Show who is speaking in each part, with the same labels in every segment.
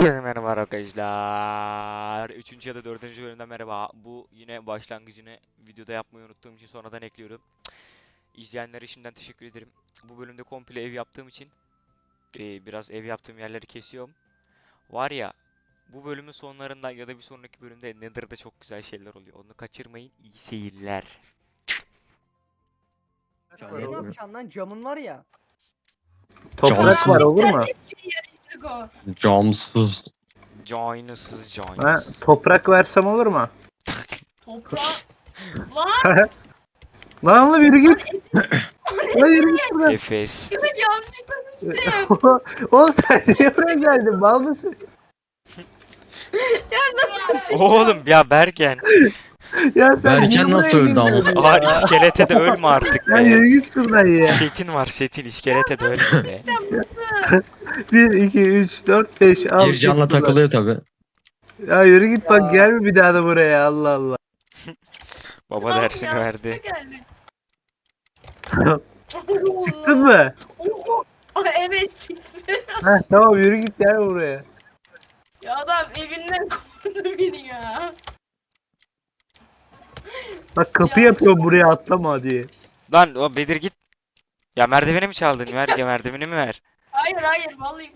Speaker 1: Merhaba arkadaşlar. Üçüncü ya da dördüncü bölümden merhaba. Bu yine başlangıcını videoda yapmayı unuttuğum için sonradan ekliyorum. İzleyenlere şimdiden teşekkür ederim. Bu bölümde komple ev yaptığım için biraz ev yaptığım yerleri kesiyorum. Var ya, bu bölümün sonlarında ya da bir sonraki bölümde Nether'da çok güzel şeyler oluyor. Onu kaçırmayın. İyi seyirler.
Speaker 2: Ne yapacaksın lan? Camın var ya.
Speaker 3: Toprak var
Speaker 4: Camsız,
Speaker 3: olur mu?
Speaker 4: şey yarayacak o.
Speaker 3: camsız.
Speaker 1: Caynısız
Speaker 3: Ha,
Speaker 1: caynısız.
Speaker 3: toprak versem olur mu?
Speaker 4: Toprağı. Lan
Speaker 3: Lan oğlum yürü
Speaker 4: lan
Speaker 3: git. Lan yürü git buradan.
Speaker 1: Efes.
Speaker 4: evet yanlışlıkla düştüm.
Speaker 3: Oğlum sen niye buraya geldin? Mal mısın?
Speaker 4: Ya nasıl çıktım?
Speaker 1: Oğlum ya Bergen.
Speaker 3: Ya sen niye
Speaker 5: Berken
Speaker 3: buraya
Speaker 5: nasıl öldü ama?
Speaker 3: girdin
Speaker 1: Ağır
Speaker 3: ya?
Speaker 1: iskelete de ölme artık
Speaker 3: Ya
Speaker 1: be.
Speaker 3: yürü git şuradan ya.
Speaker 1: Setin var setin iskelete de ölme be.
Speaker 4: Nasıl?
Speaker 3: 1, 2, 3, 4, 5, 6,
Speaker 5: Bir canla takılıyor tabi.
Speaker 3: Ya yürü git
Speaker 2: Ya.
Speaker 3: bak gelme bir daha da buraya Allah Allah.
Speaker 1: Baba
Speaker 4: Tam
Speaker 1: dersini
Speaker 4: yanlışlıkla
Speaker 1: verdi.
Speaker 4: geldim.
Speaker 3: Çıktın mı?
Speaker 4: Oho. Evet çıktı.
Speaker 3: Heh, tamam yürü git gel buraya.
Speaker 4: Ya adam evinden kovdu beni ya.
Speaker 3: Bak kapı
Speaker 4: Ya,
Speaker 3: yapıyorum buraya atlama diye.
Speaker 1: Lan o Bedir git. Ya merdiveni mi çaldın? Ver ya merdiveni mi ver?
Speaker 4: Hayır vallahi.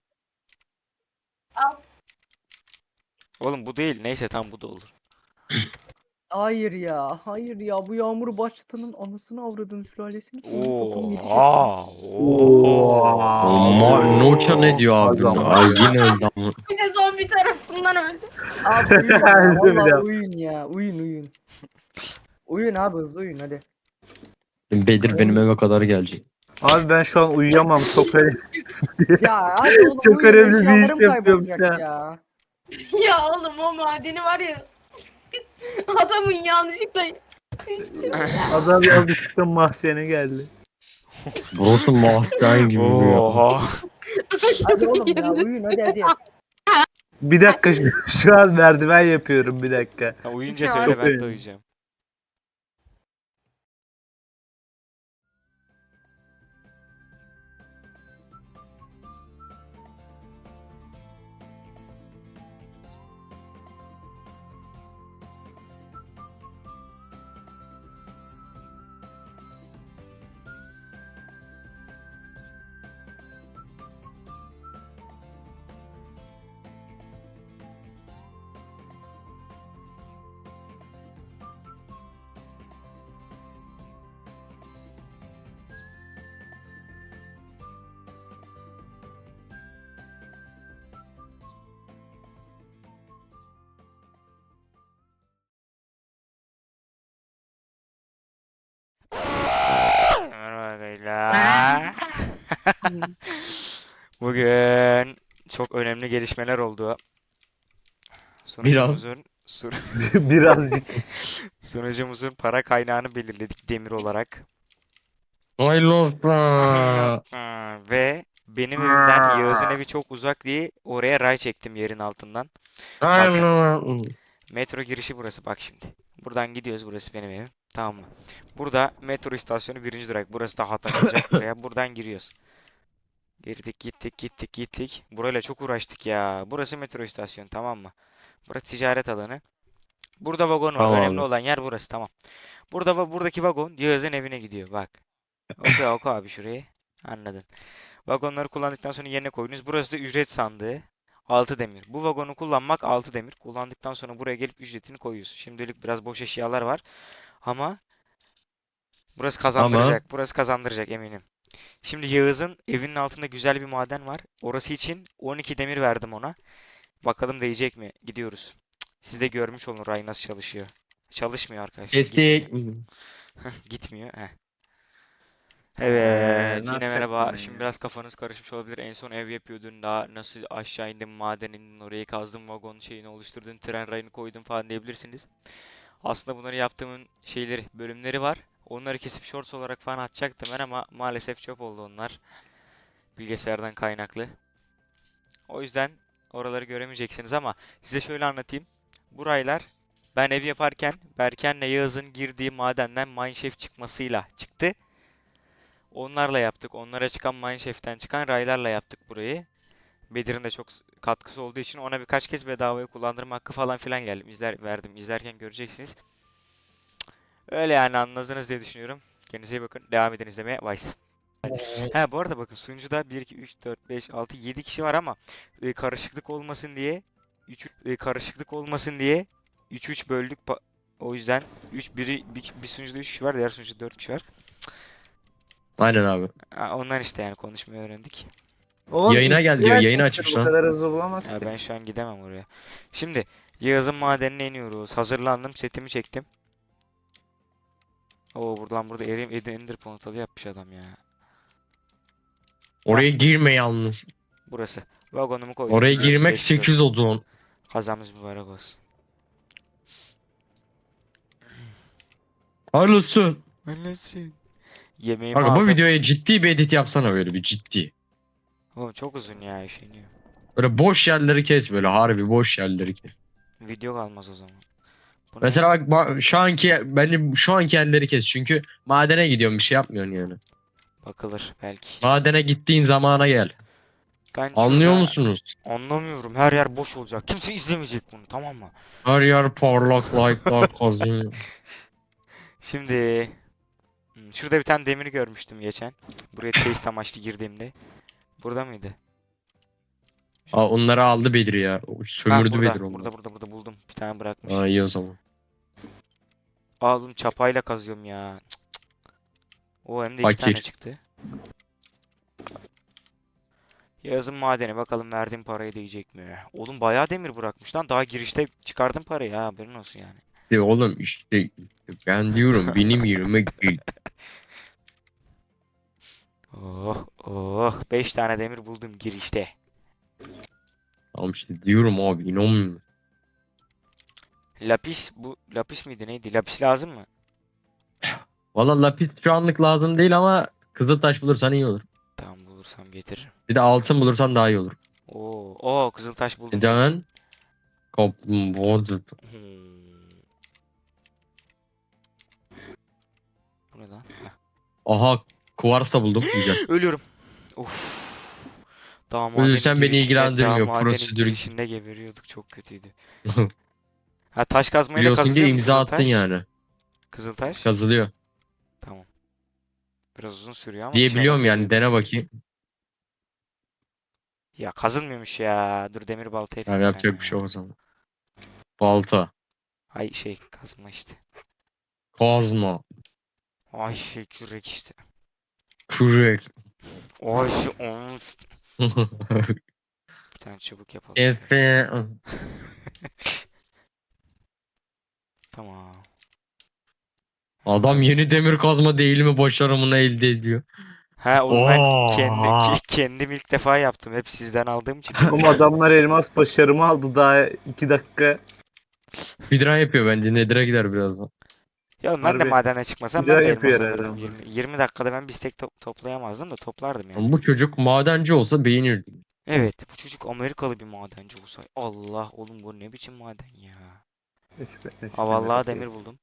Speaker 4: Al.
Speaker 1: Oğlum bu değil. Neyse tam bu da olur.
Speaker 2: Hayır ya. Hayır ya. Bu yağmuru başlatanın anasını avradını sülalesini soyunu yetecek.
Speaker 1: Oha.
Speaker 5: Ama Nokia ne diyor abi?
Speaker 3: Adam.
Speaker 5: Ay yine öldü ama.
Speaker 4: Bir de zombi tarafından öldüm.
Speaker 2: Abi uyuyun ya.
Speaker 3: Öldüm
Speaker 2: Vallahi
Speaker 3: ya.
Speaker 2: uyuyun ya. Uyuyun. Uyuyun abi hızlı uyuyun hadi.
Speaker 5: Bedir benim eve kadar gelecek.
Speaker 3: Abi ben şu an uyuyamam çok öyle.
Speaker 2: Ya hadi oğlum
Speaker 3: Çok
Speaker 2: uyuyun,
Speaker 3: önemli bir iş
Speaker 2: eşyalarım
Speaker 3: yapıyorum
Speaker 2: kaybolacak
Speaker 3: ya.
Speaker 2: ya.
Speaker 4: Ya oğlum o madeni var ya. Adamın yanlışlıkla düştü.
Speaker 3: Adam yanlışlıkla mahzene geldi.
Speaker 5: Burası mahzen gibi bir yer.
Speaker 1: Oha.
Speaker 2: Hadi oğlum ya uyuyun hadi.
Speaker 3: Bir dakika şu an merdiven yapıyorum bir dakika.
Speaker 1: Ha, uyuyunca
Speaker 4: Çok
Speaker 1: söyle ben de
Speaker 3: önemli.
Speaker 1: uyuyacağım. Merhaba arkadaşlar. Bugün çok önemli gelişmeler oldu. Sunucumuzun
Speaker 3: Birazcık.
Speaker 1: sunucumuzun para kaynağını belirledik demir olarak.
Speaker 5: Hayırlı olsun.
Speaker 1: Ve benim evimden Yağız'ın evi çok uzak diye oraya ray çektim yerin altından.
Speaker 5: Hayırlı olsun.
Speaker 1: Metro girişi burası bak şimdi. Buradan gidiyoruz, burası benim evim. Tamam mı? Burada metro istasyonu birinci durak. Burası da hat açılacak buraya. Buradan giriyoruz. Girdik gittik. Burayla çok uğraştık ya. Burası metro istasyonu, tamam mı? Burası ticaret alanı. Burada vagon var.
Speaker 5: Tamam
Speaker 1: Önemli
Speaker 5: abi.
Speaker 1: olan yer burası, tamam. Buradaki vagon Yağız'ın evine gidiyor bak. Oku abi şurayı. Anladın. Vagonları kullandıktan sonra yerine koyunuz. Burası da ücret sandığı. 6 demir. Bu vagonu kullanmak 6 demir. Kullandıktan sonra buraya gelip ücretini koyuyorsun. Şimdilik biraz boş eşyalar var. Ama burası kazandıracak. Burası kazandıracak eminim. Şimdi Yağız'ın evinin altında güzel bir maden var. Orası için 12 demir verdim ona. Bakalım değecek mi? Gidiyoruz. Siz de görmüş olun ray nasıl çalışıyor. Çalışmıyor arkadaşlar.
Speaker 5: Kestik.
Speaker 1: Gitmiyor. Heh. Evet,
Speaker 3: ne
Speaker 1: yine
Speaker 3: yapacaktın
Speaker 1: merhaba.
Speaker 3: ya?
Speaker 1: Şimdi biraz kafanız karışmış olabilir. En son ev yapıyordun, daha nasıl aşağı indim, maden indin, orayı kazdım, vagon şeyini oluşturdun, tren rayını koydun falan diyebilirsiniz. Aslında bunları yaptığımın bölümleri var. Onları kesip shorts olarak falan atacaktım ben ama maalesef çöp oldu onlar. Bilgisayardan kaynaklı. O yüzden oraları göremeyeceksiniz ama size şöyle anlatayım. Bu raylar ben ev yaparken Berken'le Yağız'ın girdiği madenden mineshaft çıkmasıyla çıktı. Onlarla yaptık. Onlara çıkan mineshaft'ten çıkan raylarla yaptık burayı. Bedir'in de çok katkısı olduğu için ona birkaç kez bedavaya kullandırma hakkı falan filan geldim. Verdim. İzlerken göreceksiniz. Öyle yani anladınız diye düşünüyorum. Kendinize iyi bakın. Devam edin izlemeye. Vice. Ha bu arada bakın sunucuda 1, 2, 3, 4, 5, 6, 7 kişi var ama karışıklık olmasın diye 3 böldük. O yüzden bir sunucuda 3 kişi var, diğer sunucuda 4 kişi var.
Speaker 5: Aynen abi.
Speaker 1: Ha, ondan işte yani konuşmayı öğrendik.
Speaker 3: Oğlum
Speaker 5: Yayına
Speaker 3: ikisi
Speaker 5: gel diyor, yayını
Speaker 3: açmıştır,
Speaker 5: açmış
Speaker 3: bu
Speaker 5: lan.
Speaker 3: kadar hızlı bulamaz
Speaker 1: Ya
Speaker 3: ki.
Speaker 1: ben şu an gidemem oraya. Şimdi Yağız'ın madenine iniyoruz. Hazırlandım, setimi çektim. Oo burada Ender portalı yapmış adam ya.
Speaker 5: Oraya girme yalnız.
Speaker 1: Burası. Vagonumu koydum.
Speaker 5: Oraya
Speaker 1: gidiyorum.
Speaker 5: girmek
Speaker 1: Geçmiş
Speaker 5: 8
Speaker 1: olsun.
Speaker 5: odun.
Speaker 1: Kazamız mübarek olsun.
Speaker 5: Hayırlısı.
Speaker 1: Anlasın. Yemeğimi
Speaker 5: Kanka bu
Speaker 1: aldım.
Speaker 5: videoya ciddi bir edit yapsana, böyle bir ciddi.
Speaker 1: Oğlum çok uzun ya işiniyor.
Speaker 5: Böyle boş yerleri kes, böyle harbi boş yerleri kes.
Speaker 1: Video kalmaz o zaman. Bu ne?
Speaker 5: Mesela bak şu anki, bence şu anki yerleri kes, çünkü madene gidiyorsun, bir şey yapmıyorsun yani.
Speaker 1: Bakılır belki.
Speaker 5: Madene gittiğin zamana gel.
Speaker 1: Ben
Speaker 5: Anlıyor
Speaker 1: şurada
Speaker 5: musunuz?
Speaker 1: anlamıyorum. Her yer boş olacak. Kimse izlemeyecek bunu, tamam mı?
Speaker 5: Her yer parlak like'lar kazanıyor.
Speaker 1: Şimdi şurada bir tane demir görmüştüm geçen. Buraya test amaçlı girdiğimde. Burada mıydı?
Speaker 5: Aa, onları aldı Bedir ya. Sömürdü
Speaker 1: burada,
Speaker 5: Bedir onları.
Speaker 1: burada buldum. Bir tane bırakmış.
Speaker 5: Aa, iyi o zaman.
Speaker 1: Oğlum çapayla kazıyorum ya. Cık, cık. O hem de iki
Speaker 5: Fakir.
Speaker 1: tane çıktı. Yazın madeni bakalım verdiğim parayı değecek mi? Oğlum bayağı demir bırakmış lan. Daha girişte çıkardım parayı ha, haberin olsun yani.
Speaker 5: Oğlum işte ben diyorum, benim yerime gel.
Speaker 1: Oh oh 5 tane demir buldum girişte.
Speaker 5: Tamam işte diyorum abi, inanmıyorum.
Speaker 1: Lapis miydi neydi? Lapis lazım mı?
Speaker 5: Valla lapis şu anlık lazım değil ama kızıltaş bulursan iyi olur.
Speaker 1: Tamam bulursam getiririm.
Speaker 5: Bir de altın bulursan daha iyi olur.
Speaker 1: Oo kızıltaş buldum.
Speaker 5: Neden? Kaplumbağa.
Speaker 1: Hmm. Bu ne lan? Heh.
Speaker 5: Aha, kuvars da buldum. Güzel.
Speaker 1: Ölüyorum. Of. Daha
Speaker 5: Ölürsen beni ilgilendirmiyor,
Speaker 1: madenin
Speaker 5: prosedür.
Speaker 1: girişinde geberiyorduk, çok kötüydü. Ha taş kazmayla
Speaker 5: Biliyorsun ki
Speaker 1: kazılıyor mu
Speaker 5: imza attın
Speaker 1: kızıltaş?
Speaker 5: yani.
Speaker 1: Kızıltaş.
Speaker 5: Kazılıyor.
Speaker 1: Tamam. Biraz uzun sürüyor ama
Speaker 5: Diye
Speaker 1: inşallah
Speaker 5: biliyorum yani,
Speaker 1: kazıyordur.
Speaker 5: dene bakayım.
Speaker 1: Ya kazılmıyormuş ya. Dur demir balta yapayım
Speaker 5: Yani
Speaker 1: bir
Speaker 5: yapacak
Speaker 1: tane
Speaker 5: bir şey
Speaker 1: ya.
Speaker 5: yok o zaman. Balta.
Speaker 1: Ay kazma işte.
Speaker 5: Kazma.
Speaker 1: Ay kürek işte.
Speaker 5: Kürek.
Speaker 1: Ay bir tane çubuk yapalım. şöyle.
Speaker 5: Efe.
Speaker 1: Tamam.
Speaker 5: Adam yeni demir kazma değil mi başarımını elde ediyor.
Speaker 1: Ha oğlum ben
Speaker 5: Oha.
Speaker 1: kendim ilk defa yaptım. Hep sizden aldığım için.
Speaker 3: Oğlum adamlar elmas başarımı aldı daha 2 dakika.
Speaker 5: Speedrun yapıyor bence. Nedir'e gider birazdan.
Speaker 1: Ya oğlum ben de
Speaker 3: Harbi.
Speaker 1: madene çıkmasam
Speaker 3: Güzel
Speaker 1: ben de
Speaker 3: yapıyor
Speaker 1: elmas
Speaker 3: herhalde
Speaker 1: alırdım.
Speaker 3: ama.
Speaker 1: 20 dakikada ben bir stek toplayamazdım da toplardım yani.
Speaker 5: Ama bu çocuk madenci olsa beğenirdim.
Speaker 1: Evet bu çocuk Amerikalı bir madenci olsa. Allah oğlum bu ne biçim maden ya. Ha vallahi demir buldum.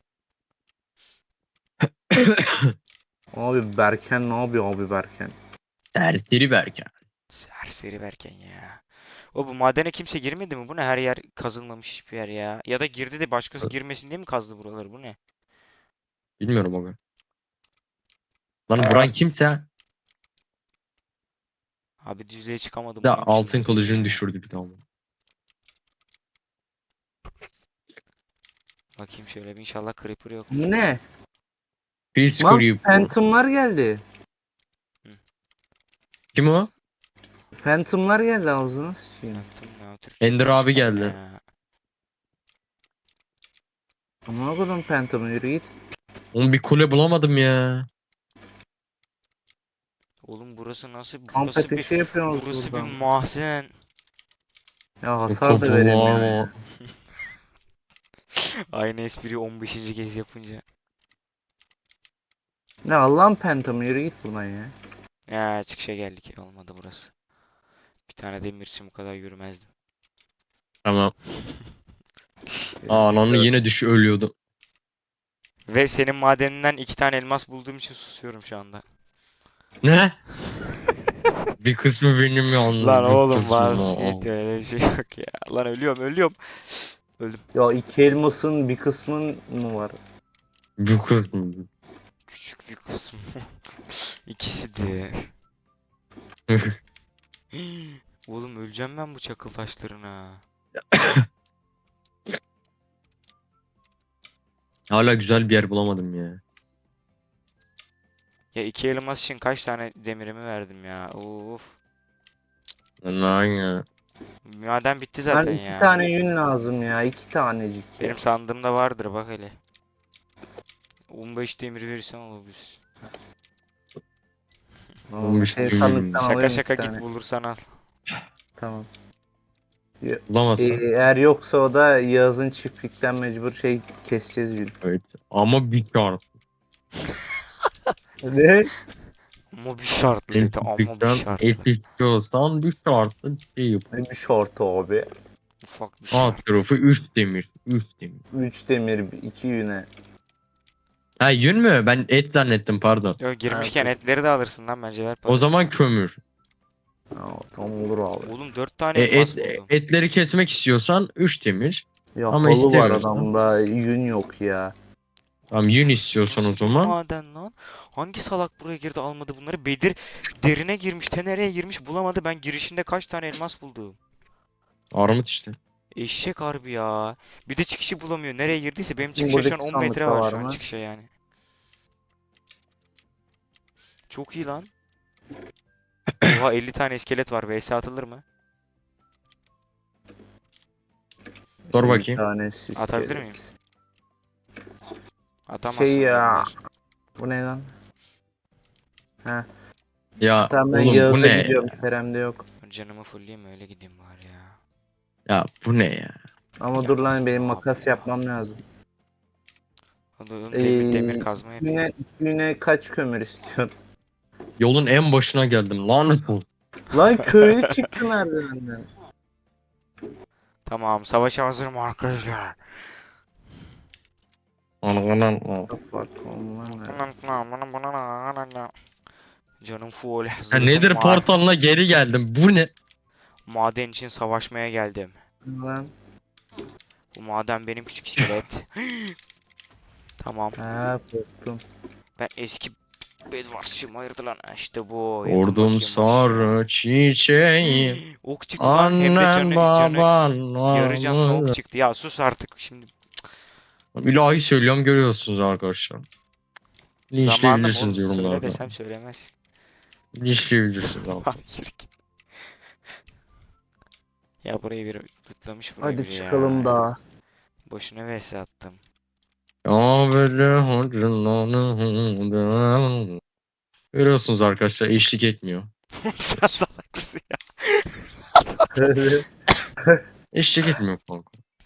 Speaker 3: Abi Berken ne yapıyor abi Berken?
Speaker 5: Serseri Berke.
Speaker 1: Serseri verken ya. O bu madene kimse girmedi mi? Bu ne? Her yer kazılmamış hiçbir yer ya. Ya da girdi de başkası girmesin diye mi kazdı buraları? Bu ne?
Speaker 5: Bilmiyorum abi. Lan Buran kimse
Speaker 1: Abi düzlüğe çıkamadım.
Speaker 5: de
Speaker 1: bu ne biçim
Speaker 5: altın
Speaker 1: maden
Speaker 5: kılıcını
Speaker 1: ya?
Speaker 5: düşürdü bir tane.
Speaker 1: Bakayım şöyle bir inşallah creeper yok.
Speaker 3: Ne?
Speaker 5: Peace
Speaker 3: Lan
Speaker 5: Creep.
Speaker 3: Phantom'lar geldi.
Speaker 5: Kim o?
Speaker 3: Phantom'lar geldi ağzına sıçayım.
Speaker 1: Phantom ya, Türkçe
Speaker 5: Ender abi
Speaker 1: konuşmayın
Speaker 5: geldi.
Speaker 1: ya.
Speaker 3: Amına koydum Phantom'u, yürü git.
Speaker 5: Oğlum bir kule bulamadım ya.
Speaker 1: Oğlum burası nasıl?
Speaker 3: Kamp
Speaker 1: Burası bir
Speaker 3: ateşi yapıyoruz
Speaker 1: burası bir
Speaker 3: buradan.
Speaker 1: mahzen.
Speaker 3: Ya hasar da veremiyor ya.
Speaker 1: Aynı espriyi 15. kez yapınca.
Speaker 3: Ne Allah'ın Phantom'u, yürü git buradan ya.
Speaker 1: Ya çıkışa geldik. Olmadı burası. Bir tane demir için bu kadar yürümezdim.
Speaker 5: Tamam. Aa, ananı yine ölüyordu.
Speaker 1: Ve senin madeninden 2 tane elmas bulduğum için susuyorum şu anda.
Speaker 5: Ne? Bir kısmı benim yalnız.
Speaker 1: Lan
Speaker 5: bir
Speaker 1: oğlum
Speaker 5: kısmı
Speaker 1: var.
Speaker 5: o.
Speaker 1: Yetiyor, öyle bir şey yok ya. Lan ölüyorum. Öldüm.
Speaker 3: Ya iki elmasın bir kısmın mı var?
Speaker 5: Bir kısmı.
Speaker 1: Küçük bir kısmı. İkisi de. Oğlum öleceğim ben bu çakıl taşlarına.
Speaker 5: Hala güzel bir yer bulamadım ya.
Speaker 1: Ya iki elmas için kaç tane demirimi verdim ya. Of.
Speaker 5: Lan ya.
Speaker 1: Maden bitti
Speaker 3: Ben
Speaker 1: zaten
Speaker 3: iki
Speaker 1: ya.
Speaker 3: tane yün lazım ya. İki tanecik ya.
Speaker 1: Benim sandığımda vardır bak hele. 15 demir verirsen olabilir.
Speaker 3: Tamam,
Speaker 5: işte
Speaker 3: sandıktan
Speaker 1: Şaka
Speaker 3: alayım
Speaker 1: şaka
Speaker 3: iki
Speaker 1: git
Speaker 3: tane.
Speaker 1: bulursan al.
Speaker 3: Tamam.
Speaker 5: Bulamazsın.
Speaker 3: Eğer yoksa o da Yağız'ın çiftlikten mecbur şey keseceğiz yün.
Speaker 5: Evet. Ama bir şart.
Speaker 3: Ne?
Speaker 1: Ama bir şartlı
Speaker 5: Benim
Speaker 1: dedi ama bir
Speaker 5: çiftlikten
Speaker 1: şartlı.
Speaker 5: et istiyorsan bir şartlı şey yap.
Speaker 3: Ne bir şortu abi.
Speaker 1: Ufak bir
Speaker 5: Alt
Speaker 1: şart.
Speaker 5: tarafı 3 demir. 3 demir.
Speaker 3: 3 demir, 2 yüne.
Speaker 5: Ha yün mü? Ben et zannettim pardon.
Speaker 1: Yo, girmişken
Speaker 3: dur.
Speaker 1: etleri de alırsın lan bence ver
Speaker 5: O
Speaker 1: parasını.
Speaker 5: zaman kömür.
Speaker 3: Ha, tamam olur abi.
Speaker 1: Oğlum 4 tane elmas buldum.
Speaker 5: Etleri kesmek istiyorsan 3 demir.
Speaker 3: Ya
Speaker 5: Ama
Speaker 3: halı var
Speaker 5: istemiyorsan.
Speaker 3: adamda, yün yok ya.
Speaker 5: Tamam yün istiyorsan o
Speaker 1: Nasıl bir
Speaker 5: zaman.
Speaker 1: maden lan? Hangi salak buraya girdi almadı bunları? Bedir derine girmiş, nereye girmiş bulamadı. Ben girişinde kaç tane elmas buldum.
Speaker 5: Armut işte.
Speaker 1: Eşek harbi ya. Bir de çıkışı bulamıyor. Nereye girdiyse benim
Speaker 3: Şimdi
Speaker 1: çıkışa şu an
Speaker 3: buradaki
Speaker 1: 10 metre
Speaker 3: sandıkta
Speaker 1: var
Speaker 3: var
Speaker 1: şu an
Speaker 3: mı?
Speaker 1: çıkışa yani. Çok iyi lan. Oha 50 tane iskelet var. VS atılır mı?
Speaker 5: Sor
Speaker 3: Bir
Speaker 5: bakayım.
Speaker 3: tanesi
Speaker 1: Atabilir
Speaker 3: iskelet.
Speaker 1: miyim? Atamazsın
Speaker 3: Şey ya.
Speaker 1: dediler.
Speaker 3: Bu ne lan? Ha.
Speaker 5: Ya
Speaker 3: Tamam ben
Speaker 5: oğlum bu
Speaker 3: Yağız'a
Speaker 5: ne
Speaker 3: gidiyorum.
Speaker 5: ya?
Speaker 3: Kerem'de yok.
Speaker 1: Canımı fullleyeyim öyle gideyim bari ya.
Speaker 5: Ya bu ne ya?
Speaker 3: Ama
Speaker 1: Ya,
Speaker 3: dur lan benim
Speaker 1: Allah
Speaker 3: makas
Speaker 1: Allah.
Speaker 3: yapmam lazım.
Speaker 1: Oğlum demir kazma yapayım.
Speaker 3: Yine kaç kömür istiyorsun?
Speaker 5: Yolun en başına geldim lanet olsun.
Speaker 3: Lan köylü çıktı merdivenden.
Speaker 1: Tamam savaşa hazırım arkadaşlar.
Speaker 3: Bak onlar ne?
Speaker 1: Canım full
Speaker 5: Ya
Speaker 1: hazırım
Speaker 5: nedir
Speaker 1: var.
Speaker 5: portalına geri geldim. Bu ne?
Speaker 1: Maden için savaşmaya geldim.
Speaker 3: Lan.
Speaker 1: Bu maden benim küçük iskelet. Tamam.
Speaker 3: Ha korktum.
Speaker 1: Ben eski Bedwars'çıyım hayırdır lan. İşte bu. Yatın
Speaker 5: Ordum
Speaker 1: bakayım aşağı.
Speaker 5: sarı çiçeği.
Speaker 1: Ok çıktı lan hem de
Speaker 5: Annem baban
Speaker 1: yarı canlı ok
Speaker 5: var.
Speaker 1: çıktı. Ya sus artık şimdi.
Speaker 5: İlahi söylüyorum görüyorsunuz arkadaşlar.
Speaker 1: Zamanım
Speaker 5: Linçleyebilirsiniz
Speaker 1: oğlum söyle
Speaker 5: yorumlarda.
Speaker 1: desem söylemezsin.
Speaker 5: Linçleyebilirsiniz abi.
Speaker 1: Hayır git. Ya burayı bir tutlamış burayı
Speaker 3: Hadi
Speaker 1: biri
Speaker 3: çıkalım
Speaker 1: ya.
Speaker 3: daha.
Speaker 1: Boşuna vs attım.
Speaker 5: Ya böyle hocam. Görüyorsunuz arkadaşlar eşlik etmiyor.
Speaker 1: Sen salak mısın ya?
Speaker 5: Eşlik etmiyor kanka.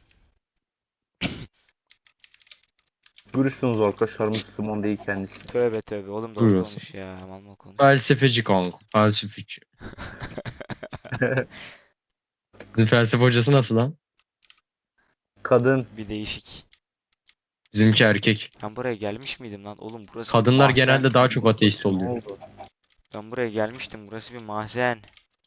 Speaker 3: Görürsünüz arkadaşlar Müslüman değil kendisi.
Speaker 1: Tövbe tövbe oğlum doğru
Speaker 5: Buyurun.
Speaker 1: konuş ya. Mal mal konuş.
Speaker 5: Felsefeci kanka. Felsefeci. Sizin felsefe hocası nasıl lan?
Speaker 3: Kadın.
Speaker 1: Bir değişik.
Speaker 5: Bizimki erkek.
Speaker 1: Ben buraya gelmiş miydim lan? Oğlum burası bir
Speaker 5: Kadınlar
Speaker 1: mahzen.
Speaker 5: genelde daha çok ateist
Speaker 3: Ne
Speaker 5: oluyor.
Speaker 3: oldu?
Speaker 1: Ben buraya gelmiştim. Burası bir mahzen.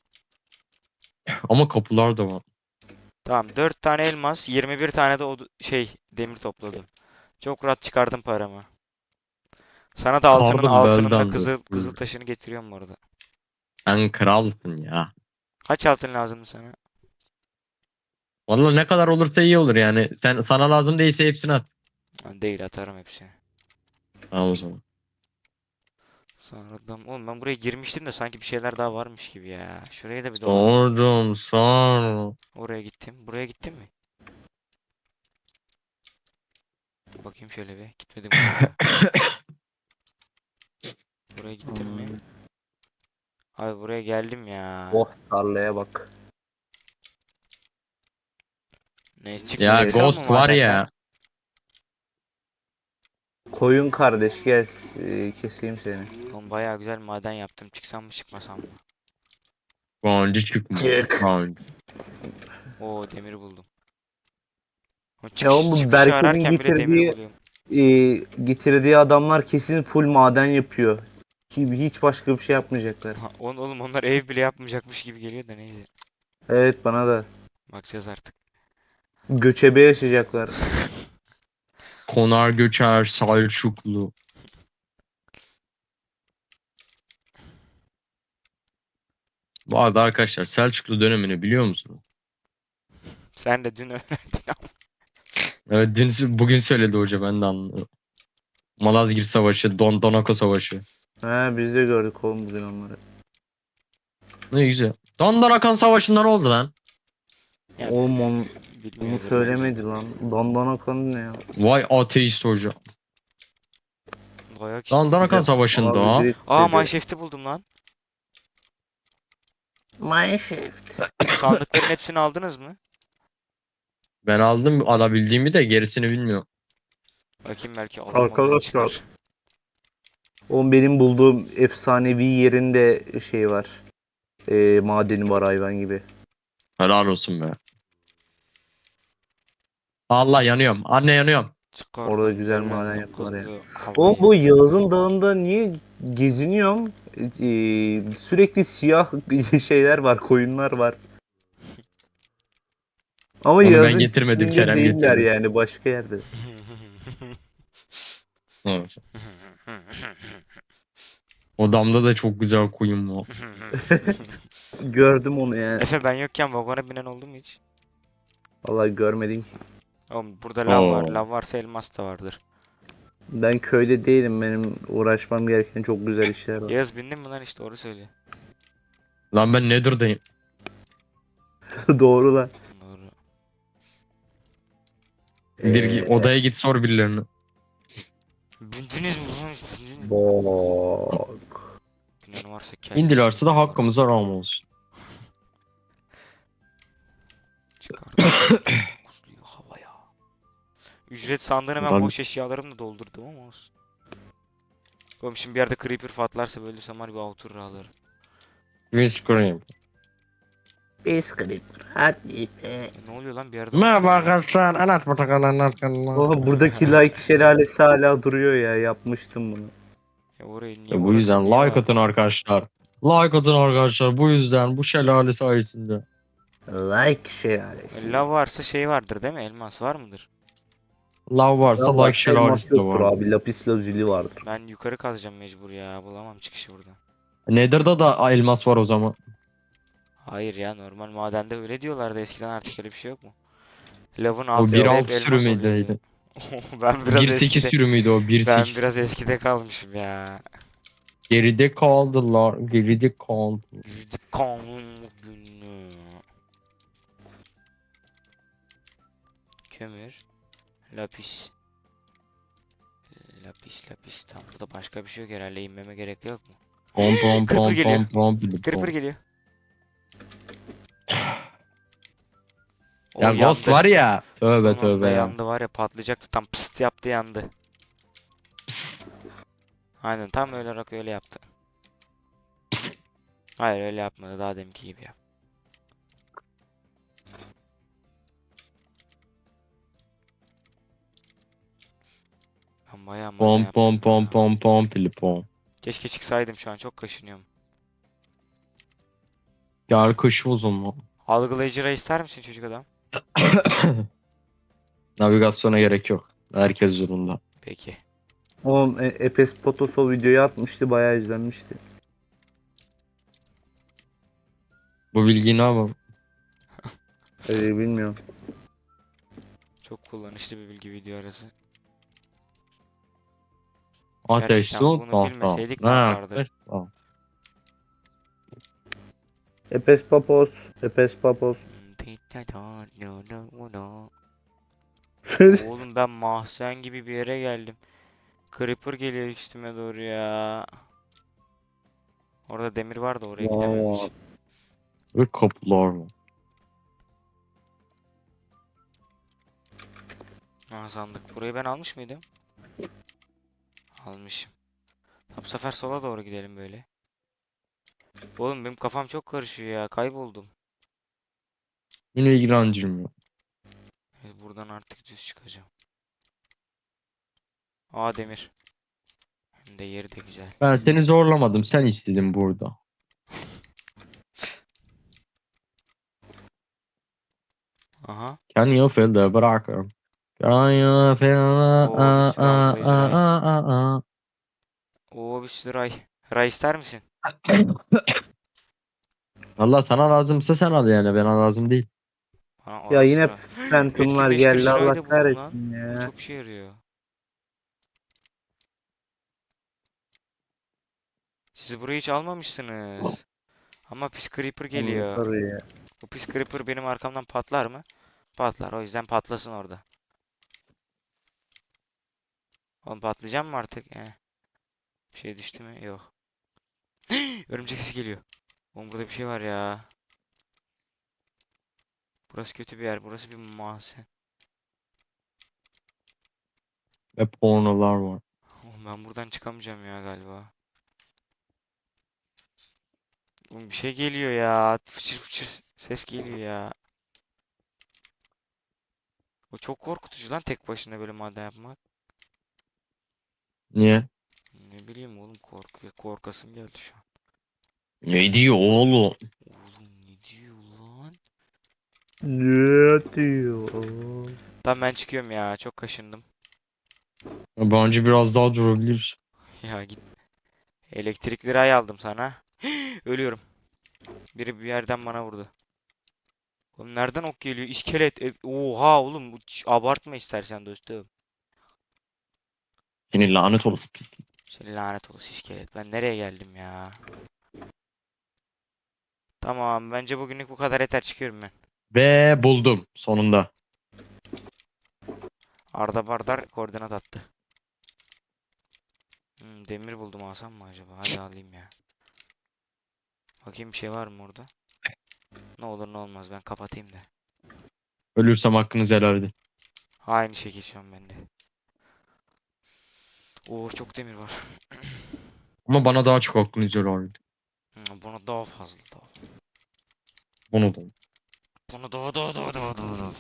Speaker 5: Ama kapılar da var.
Speaker 1: Tamam 4 tane elmas, 21 tane de demir topladım. Çok rahat çıkardım paramı. Sana da
Speaker 5: Pardon,
Speaker 1: altının da
Speaker 5: belden
Speaker 1: kızıl
Speaker 5: dur.
Speaker 1: taşını getiriyorum bu arada.
Speaker 5: Sen kralsın ya.
Speaker 1: Kaç altın lazımdı sana?
Speaker 5: Vallahi ne kadar olursa iyi olur yani. Sana lazım değilse hepsini at.
Speaker 1: Ha, değil atarım hepsini.
Speaker 5: Tamam o zaman.
Speaker 1: Sonradan oğlum ben buraya girmiştim de sanki bir şeyler daha varmış gibi ya. Şuraya da bir dolan.
Speaker 5: Sordum sonra.
Speaker 1: Oraya gittim. Buraya gittim mi? Bakayım şöyle bir. Gitmedim galiba. Buraya gittim mi? Abi buraya geldim ya.
Speaker 3: Oh tarlaya bak.
Speaker 1: Neyse
Speaker 5: Ya
Speaker 1: çıksam mı
Speaker 5: Ghost var
Speaker 1: madenden?
Speaker 5: ya.
Speaker 3: Koyun kardeş gel. Keseyim seni.
Speaker 1: Oğlum bayağı güzel maden yaptım. Çıksam mı çıkmasam mı?
Speaker 5: Bence çıkma.
Speaker 3: Çık.
Speaker 5: Bence.
Speaker 1: Oo demiri buldum. O
Speaker 3: Ya oğlum bu
Speaker 1: çıkışı
Speaker 3: Berke'nin
Speaker 1: ararken bile demiri
Speaker 3: getirdiği
Speaker 1: buluyorum.
Speaker 3: getirdiği adamlar kesin full maden yapıyor. Hiç başka bir şey yapmayacaklar.
Speaker 1: Oğlum onlar ev bile yapmayacakmış gibi geliyor da neyse.
Speaker 3: Evet, bana da.
Speaker 1: Bakacağız artık.
Speaker 3: Göçebe yaşayacaklar.
Speaker 5: Konar göçer Selçuklu. Bu arada arkadaşlar Selçuklu dönemini biliyor musunuz?
Speaker 1: Sen de dün öğrendin ama.
Speaker 5: Evet bugün söyledi hoca, ben de anladım. Malazgirt Savaşı, Donako Savaşı.
Speaker 3: He, biz de gördük oğlum bugün onları.
Speaker 5: Ne güzel. Dondonakan Savaşı'nda ne oldu lan?
Speaker 1: Ya,
Speaker 3: Oğlum onu
Speaker 1: bilmiyordur bence.
Speaker 3: söylemedi lan. Dandan akan ne ya?
Speaker 5: Vay ateist hoca.
Speaker 1: Dayak işte.
Speaker 5: Dondonakan
Speaker 3: Bize
Speaker 5: Savaşı'nda
Speaker 3: abi direkt
Speaker 1: Aa,
Speaker 3: dedi.
Speaker 1: Mineshaft'i buldum lan.
Speaker 3: Mineshaft.
Speaker 1: Bu sandıkların hepsini aldınız mı?
Speaker 5: ben aldım alabildiğimi de gerisini bilmiyorum.
Speaker 1: Bakayım belki alamadığım
Speaker 3: Arkadaşlar.
Speaker 1: çıkar.
Speaker 3: Oğlum benim bulduğum efsanevi yerinde şey var. Madeni var hayvan gibi.
Speaker 5: Helal olsun be. Allah yanıyorum. Anne yanıyorum.
Speaker 1: Çıkardım
Speaker 3: Orada güzel
Speaker 1: böyle
Speaker 3: maden yaptılar ya.
Speaker 1: kızlı
Speaker 3: Oğlum
Speaker 1: havayı.
Speaker 3: bu Yağız'ın dağında niye geziniyorum? Sürekli siyah şeyler var, koyunlar var. Ama
Speaker 5: Onu ben
Speaker 3: Yağız'ın
Speaker 5: getirmedim,
Speaker 3: çiftliğinde
Speaker 5: Kerem
Speaker 3: değiller
Speaker 5: getirdi.
Speaker 3: yani, başka yerde.
Speaker 5: Hı. Odamda da çok güzel koyun var.
Speaker 3: Gördüm onu yani.
Speaker 1: Efe, ben yokken vagona binen oldu mu hiç?
Speaker 3: Vallahi görmedim.
Speaker 1: Oğlum burada lav var.
Speaker 5: Oo.
Speaker 1: Lav varsa elmas da vardır.
Speaker 3: Ben köyde değilim. Benim uğraşmam gereken çok güzel işler var.
Speaker 1: Yağız, bindin mi lan, hiç doğru söyle.
Speaker 5: Lan ben Nether'dayım.
Speaker 3: Doğru lan.
Speaker 1: Doğru.
Speaker 5: Odaya git sor birilerine.
Speaker 1: Bindiniz mi lan? Bindiniz mi?
Speaker 3: Bak.
Speaker 1: Binen varsa kendisi.
Speaker 5: İndilerse de hakkımıza rağm olsun.
Speaker 1: Çıkardım. Kuzluyu havaya. Ücret sandığını ben
Speaker 5: Ben-
Speaker 1: boş eşyalarımla doldurdum ama olsun. Oğlum şimdi bir yerde creeper patlarsa böyle samar bir outur alırım.
Speaker 5: Whiskering.
Speaker 3: Bisküvit. Hadi be.
Speaker 1: Ne oluyor lan bir yerde?
Speaker 5: Merhaba
Speaker 1: outur ya.
Speaker 5: arkadaşlar. Anlat bakalım anlat.
Speaker 3: Oha, buradaki like şelalesi hala duruyor ya. Yapmıştım bunu.
Speaker 1: Ya orayı niye,
Speaker 5: Bu
Speaker 1: orası
Speaker 5: yüzden
Speaker 1: niye
Speaker 5: like
Speaker 1: var?
Speaker 5: atın arkadaşlar. Like atın arkadaşlar. Bu yüzden bu şelale sayesinde.
Speaker 3: Like şelalesi.
Speaker 1: Lav varsa şey vardır değil mi? Elmas var mıdır?
Speaker 5: Love varsa
Speaker 3: Ya
Speaker 5: like
Speaker 3: başka elmas
Speaker 5: şelalesi de
Speaker 3: yoktur
Speaker 5: var.
Speaker 3: abi. Lapis lazuli vardır.
Speaker 1: Ben yukarı kazacağım mecbur ya. Bulamam çıkışı buradan.
Speaker 5: Nether'da da elmas var o zaman.
Speaker 1: Hayır ya, normal madende öyle diyorlardı eskiden, artık öyle bir şey yok mu? Lavın
Speaker 5: O
Speaker 1: altında
Speaker 5: 1.6
Speaker 1: hep elmas
Speaker 5: sürümüydü.
Speaker 1: oluyordu. Ben biraz
Speaker 5: 1.8
Speaker 1: eskide,
Speaker 5: sürümüydü o
Speaker 1: ben
Speaker 5: 1.8.
Speaker 1: biraz eskide kalmışım ya.
Speaker 5: Geride kaldılar. Geride kaldı.
Speaker 1: Kanun günü. Kömür. Lapis. Lapis. Tam burada başka bir şey yok herhalde. İnmeme gerek yok mu?
Speaker 5: Pom pom
Speaker 1: Creeper
Speaker 5: pom
Speaker 1: geliyor.
Speaker 5: pom pom pom.
Speaker 1: Creeper geliyor. O
Speaker 5: Ya Ghost var ya. Tövbe
Speaker 1: Son anda
Speaker 5: tövbe ya.
Speaker 1: yandı var ya, patlayacaktı, tam pıst yaptı yandı. Aynen tam öyle olarak öyle yaptı. Hayır öyle yapmadı, daha deminki gibi yap. Ben bayağı mana
Speaker 5: Pom
Speaker 1: yaptım
Speaker 5: pom pom
Speaker 1: ya.
Speaker 5: pom pom pili pom.
Speaker 1: Keşke çıksaydım, şu an çok kaşınıyorum.
Speaker 5: Gel kış o zaman.
Speaker 1: Algılayıcı ister misin çocuk adam?
Speaker 5: Navigasyona gerek yok. Herkes zorunda.
Speaker 1: Peki.
Speaker 3: Oğlum Epes Potosol videoyu atmıştı. Bayağı izlenmişti.
Speaker 5: Bu bilgiyi ne yapalım?
Speaker 3: Bilmiyorum.
Speaker 1: Çok kullanışlı bir bilgi video arası.
Speaker 5: Ateş
Speaker 1: Gerçekten
Speaker 5: su
Speaker 1: bunu
Speaker 5: tahta.
Speaker 1: bilmeseydik
Speaker 5: Ne
Speaker 1: ne yapardık?
Speaker 5: ateş tahta.
Speaker 3: Epes Papos. Epes Papos.
Speaker 1: Oğlum ben mahzen gibi bir yere geldim. Creeper geliyor üstüme doğru ya. Orada demir vardı, oraya gidememiş.
Speaker 3: Vay.
Speaker 5: Ve kapılar var.
Speaker 1: Ha, sandık. Burayı ben almış mıydım? Almışım. Ha, bu sefer sola doğru gidelim böyle. Oğlum benim kafam çok karışıyor ya. Kayboldum.
Speaker 5: Beni ilgilendirmiyor.
Speaker 1: Evet, buradan artık düz çıkacağım. Aa, demir. de yeri de güzel.
Speaker 5: Ben seni zorlamadım. Sen istedin burada.
Speaker 1: Aha.
Speaker 5: Can you feel the bırakırım. Can you feel
Speaker 1: Oo bir sürü avlayıcı ray. Oo bir sürü ray. Ray ister misin?
Speaker 5: Valla sana lazımsa sen al yani. Bana lazım değil.
Speaker 1: Bana
Speaker 3: Ya
Speaker 1: ara
Speaker 3: yine
Speaker 1: sıra.
Speaker 3: Phantom'lar geldi,
Speaker 1: Etkinleştirici ray
Speaker 3: Allah
Speaker 1: da buldum lan.
Speaker 3: kahretsin
Speaker 1: Bu
Speaker 3: ya.
Speaker 1: çok işe yarıyor. Siz burayı hiç almamışsınız. Ama pis creeper
Speaker 3: Onu
Speaker 1: geliyor.
Speaker 3: tabii ya.
Speaker 1: Bu pis creeper benim arkamdan patlar mı? Patlar. O yüzden patlasın orada. Oğlum patlayacak mı artık? Bir şey düştü mü? Yok. Örümcek sesi geliyor. Oğlum burada bir şey var ya. Burası kötü bir yer. Burası bir mahzen.
Speaker 5: Ve pornolar var.
Speaker 1: Oğlum ben buradan çıkamayacağım ya galiba. Oğlum bir şey geliyor ya. Fıçır fıçır ses geliyor ya. O çok korkutucu lan tek başına böyle maden yapmak.
Speaker 5: Niye?
Speaker 1: Ne bileyim oğlum korkasım geldi şu an.
Speaker 5: Ne diyor oğlum?
Speaker 1: Oğlum ne diyor lan?
Speaker 3: Ne diyor?
Speaker 1: Tamam ben çıkıyorum ya. Çok kaşındım.
Speaker 5: Bence biraz daha durabiliriz.
Speaker 1: Ya git. Elektrikli ray aldım sana. Ölüyorum. Biri bir yerden bana vurdu. Oğlum nereden ok geliyor? İskelet. Oha oğlum. Abartma istersen dostum.
Speaker 5: Senin lanet olası pislik.
Speaker 1: Seni lanet olası iskelet. Ben nereye geldim ya? Tamam. Bence bugünlük bu kadar yeter. Çıkıyorum ben.
Speaker 5: Ve buldum sonunda.
Speaker 1: Arda Bardar koordinat attı. Demir buldum alsam mı acaba? Hadi alayım ya. Bakayım bir şey var mı orada? Ne olur ne olmaz ben kapatayım da.
Speaker 5: Ölürsem hakkınızı helal edin.
Speaker 1: Aynı şekil şu an bende. Oo çok demir var.
Speaker 5: Ama bana daha çok hakkınızı helal edin.
Speaker 1: Buna daha fazla daha.
Speaker 5: Bunu da.
Speaker 1: Buna daha.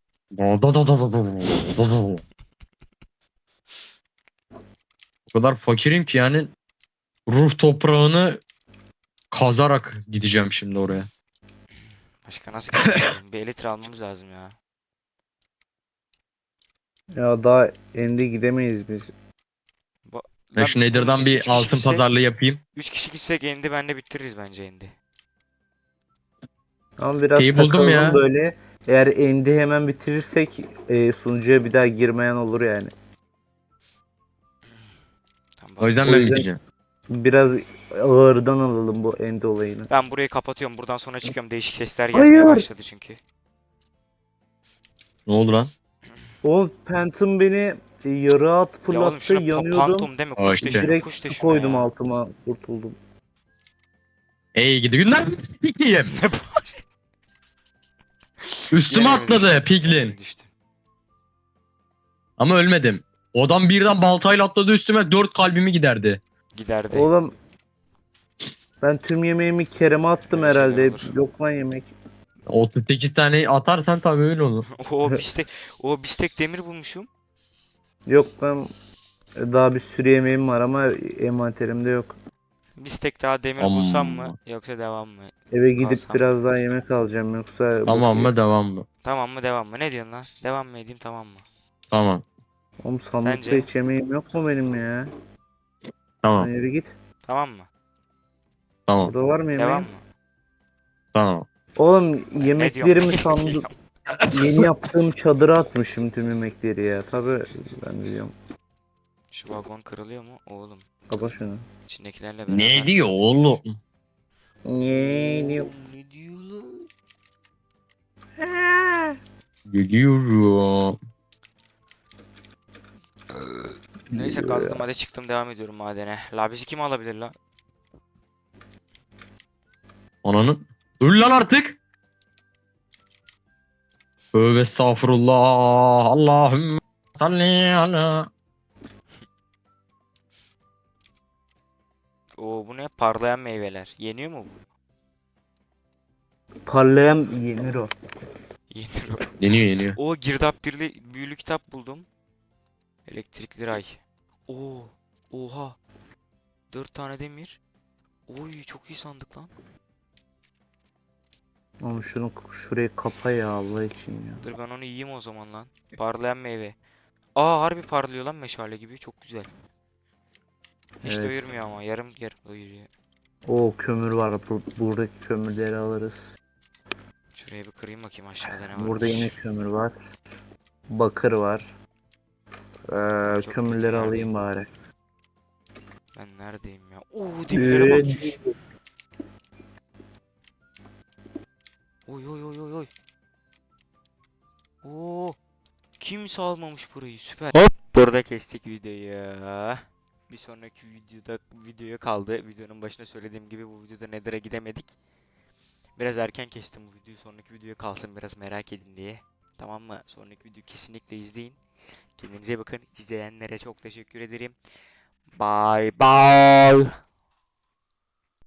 Speaker 5: O kadar fakirim ki yani ruh toprağını kazarak gideceğim şimdi oraya.
Speaker 1: Başka nasıl geçelim? Bir elitre almamız lazım ya.
Speaker 3: Ya daha endi gidemeyiz biz.
Speaker 5: Ben şu Nether'dan bir altın pazarlığı yapayım.
Speaker 1: 3 kişi gitsek endi bende bitiririz bence endi.
Speaker 3: Ama biraz
Speaker 5: Şeyi buldum
Speaker 3: takılalım
Speaker 5: ya.
Speaker 3: böyle. Eğer endi hemen bitirirsek sunucuya bir daha girmeyen olur yani.
Speaker 1: Tamam,
Speaker 5: O yüzden
Speaker 3: O
Speaker 5: ben
Speaker 3: yüzden-
Speaker 5: gideceğim.
Speaker 3: Biraz ağırdan alalım bu endi olayını.
Speaker 1: ben burayı kapatıyorum. Buradan sonra çıkıyorum. Değişik sesler gelmeye
Speaker 3: Hayır.
Speaker 1: başladı çünkü.
Speaker 5: Ne oldu lan?
Speaker 3: O Phantom beni yarı at
Speaker 1: Ya oğlum
Speaker 3: fırlattı,
Speaker 1: şuna
Speaker 3: yanıyordum.
Speaker 1: pantom deme.
Speaker 5: Aa,
Speaker 1: Kuş de
Speaker 5: işte.
Speaker 1: şuna.
Speaker 3: Direkt
Speaker 1: Kuş de
Speaker 3: su
Speaker 1: şuna
Speaker 3: koydum
Speaker 1: ya.
Speaker 3: altıma, kurtuldum.
Speaker 5: Ey gidi günler. Piglin.
Speaker 1: Ne bağır-
Speaker 5: Üstüme
Speaker 1: Yine mi
Speaker 5: atladı
Speaker 1: düştün? Yine
Speaker 5: Piglin.
Speaker 1: mi düştün?
Speaker 5: Ama ölmedim. O adam birden baltayla atladı üstüme 4 kalbimi giderdi.
Speaker 1: Giderdi.
Speaker 3: Oğlum ben tüm yemeğimi Kerem'e attım
Speaker 1: Öyle şeyler
Speaker 3: herhalde.
Speaker 1: olur.
Speaker 3: Yok lan yemek.
Speaker 5: 38 tane atarsan tabii öyle olur.
Speaker 1: O bistek demir bulmuşum.
Speaker 3: Yok lan, daha bir sürü yemeğim var ama envanterimde yok.
Speaker 1: Bistek daha demir bulsam mı
Speaker 5: Amma.
Speaker 1: yoksa devam mı?
Speaker 3: Eve gidip
Speaker 1: Kalsam
Speaker 3: biraz daha yemek alacağım yoksa
Speaker 5: Tamam
Speaker 3: bu
Speaker 5: mı devam mı?
Speaker 1: Tamam mı devam mı? Ne diyorsun lan? Devam mı edeyim tamam mı?
Speaker 5: Tamam.
Speaker 3: Oğlum sandıkta
Speaker 1: Sence?
Speaker 3: hiç yemeğim yok mu benim ya?
Speaker 5: Tamam.
Speaker 3: Lan yürü git.
Speaker 1: Tamam mı?
Speaker 5: Tamam.
Speaker 3: Burada var mı yemeğim?
Speaker 1: Devam mı?
Speaker 5: Tamam.
Speaker 3: Oğlum
Speaker 1: Ne
Speaker 3: yemeklerimi
Speaker 1: diyorum?
Speaker 3: sandım. Yeni yaptığım çadıra atmışım tüm yemekleri ya. Tabi ben biliyorum.
Speaker 1: Şu vagon kırılıyor mu? Oğlum.
Speaker 3: Kapa şunu.
Speaker 1: İçindekilerle beraber.
Speaker 5: Ne diyor oğlum?
Speaker 3: Ne diyor?
Speaker 1: Oğlum, ne diyor lan?
Speaker 5: Geliyorum.
Speaker 1: Neyse kazdım hadi çıktım devam ediyorum madene. La bizi kim alabilir la?
Speaker 5: Ananın. Öl lan artık. Tövbe estağfurullah. Allahümme salli ala.
Speaker 1: Oo bu ne? Parlayan meyveler. Yeniyor mu bu?
Speaker 3: Parlayan yenir o.
Speaker 1: Yenir o.
Speaker 5: Yeniyor yeniyor.
Speaker 1: Oo girdap büyülü kitap buldum. Elektrikli ray. Oo. Oha. 4 tane demir. Oy çok iyi sandık lan.
Speaker 3: Oğlum şunu şurayı kapa ya Allah için ya.
Speaker 1: Dur ben onu yiyeyim o zaman lan. Parlayan meyve. Aa harbi parlıyor lan meşale gibi. Çok güzel. Hiç
Speaker 3: Evet.
Speaker 1: doyurmuyor ama. Yarım yarım doyuruyor.
Speaker 3: O kömür var. Buradaki kömürleri alırız.
Speaker 1: Şuraya bir kırayım bakayım aşağıda ne
Speaker 3: Burada yine
Speaker 1: varmış.
Speaker 3: kömür var. Bakır var.
Speaker 1: Çok kötü
Speaker 3: Kömürleri
Speaker 1: yerdeyim.
Speaker 3: alayım bari.
Speaker 1: Ben neredeyim ya? Oo demirlere bak. Şuş. Oy oy oy oy oy. Oo. Kimse almamış burayı. Süper. Hop burada kestik videoyu. Bir sonraki videoya kaldı. Videonun başında söylediğim gibi bu videoda Nether'a gidemedik. Biraz erken kestim bu videoyu. Sonraki videoya kalsın biraz merak edin diye. Tamam mı? Sonraki videoyu kesinlikle izleyin. Kendinize bakın. İzleyenlere çok teşekkür ederim. Bye bye.